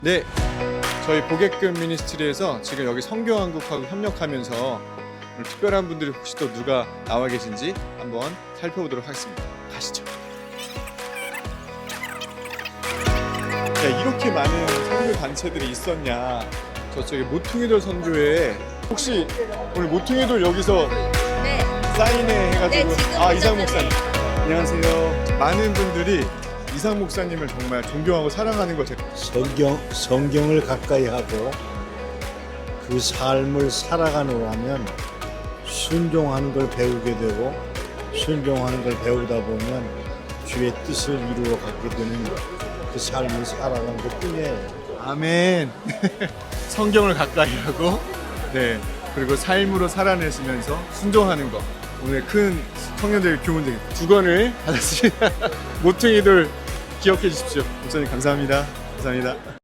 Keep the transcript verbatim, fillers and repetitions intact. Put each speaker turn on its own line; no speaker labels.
네, 저희 보게끔 미니스트리에서 지금 여기 성교한국하고 협력하면서 오늘 특별한 분들이 혹시 또 누가 나와 계신지 한번 살펴보도록 하겠습니다. 가시죠. 야, 이렇게 많은 선교 단체들이 있었냐. 저쪽에 모퉁이돌 선교회 혹시 오늘 모퉁이돌 여기서
네.
사인회 해가지고
네, 지금
아 이상
오셨는데.
목사님 안녕하세요. 많은 분들이 이상 목사님을 정말 존경하고 사랑하는 거 제가
성경, 성경을 가까이 하고 그 삶을 살아가느라면 순종하는 걸 배우게 되고 순종하는 걸 배우다 보면 주의 뜻을 이루어 가게 되는 그 삶을 살아가는 것 뿐이에요.
아멘. 성경을 가까이 하고 네 그리고 삶으로 살아내시면서 순종하는 거 오늘 큰 청년들 교훈들 두 권을 받았습니다. 모퉁이들 기억해 주십시오. 목사님 감사합니다. 감사합니다.